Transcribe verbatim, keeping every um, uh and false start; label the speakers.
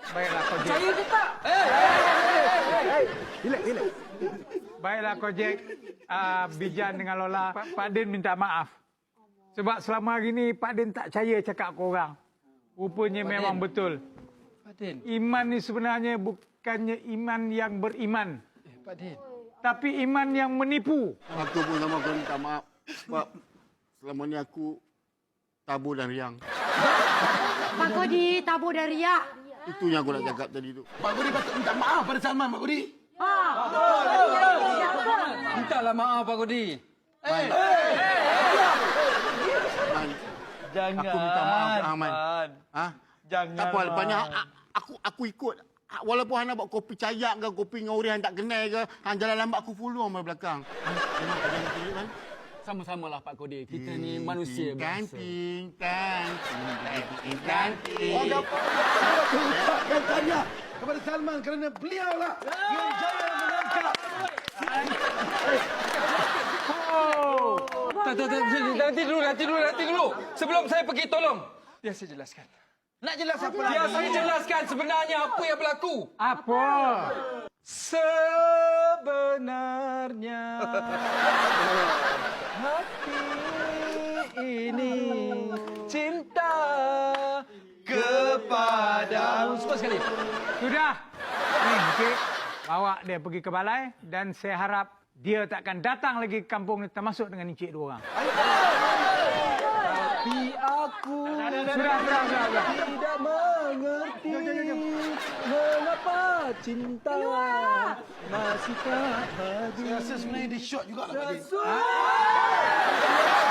Speaker 1: Baiklah, Kojek.
Speaker 2: Percaya ke tak? Eh, hey,
Speaker 3: Relax, relax.
Speaker 1: Baiklah, Kojek. Uh, Bijan dengan Lola, Pak, Pak Din minta maaf. Sebab selama hari ni Pak Din tak percaya cakap korang. Rupanya
Speaker 2: Pak
Speaker 1: memang
Speaker 2: Din.
Speaker 1: betul.
Speaker 2: Pak Din.
Speaker 1: Iman ni sebenarnya bukannya iman yang beriman.
Speaker 2: Eh, Pak Din.
Speaker 1: Tapi iman yang menipu.
Speaker 3: Aku pun sama kau minta maaf. Sebab selama ni aku tabur dan riang.
Speaker 4: Pak Kodi, tabur dan riak.
Speaker 3: Itu yang aku nak cakap tadi tu.
Speaker 5: Pak Kodi patut minta maaf pada Salman, Pak Kodi.
Speaker 2: Mintalah maaf, Pak Kodi.
Speaker 3: Man. Man.
Speaker 6: Jangan.
Speaker 3: Aku minta maaf, Ahmad.
Speaker 6: Man.
Speaker 3: Ha?
Speaker 6: Jangan.
Speaker 3: Tak apa, lepas aku aku ikut. Walaupun Hana buat kopi cayak ke, kopi dengan orang yang tak kenal ke, hang jalan lambat aku follow sama belakang. Memang tak jangan tunjuk kan?
Speaker 2: Sama-samalah, Pak Kodi. Kita ni manusia biasa.
Speaker 3: Kanting, kanting, kanting, kanting.
Speaker 5: Orang dapat ucapkan tahniah kepada Salman kerana beliau lah yang jaya menangkap.
Speaker 2: Tak, tak, tak. Nanti dulu, nanti dulu, nanti dulu. Sebelum saya pergi, tolong. Biar saya jelaskan.
Speaker 5: Nak jelas apa lagi?
Speaker 2: Biar saya jelaskan sebenarnya apa yang berlaku.
Speaker 1: Apa?
Speaker 2: Sebenarnya hati ini cinta kepadamu. Semua sekali.
Speaker 1: Sudah. Ni, Encik. Bawa dia pergi ke balai dan saya harap dia takkan datang lagi ke kampung ni termasuk dengan Encik dua orang.
Speaker 2: Tapi aku
Speaker 1: Sudah, sudah, sudah. sudah.
Speaker 2: tidak mengerti mengapa cinta masih tak hadir.
Speaker 5: Saya rasa sebenarnya dia shot juga lah, Pak Din.
Speaker 2: Ah!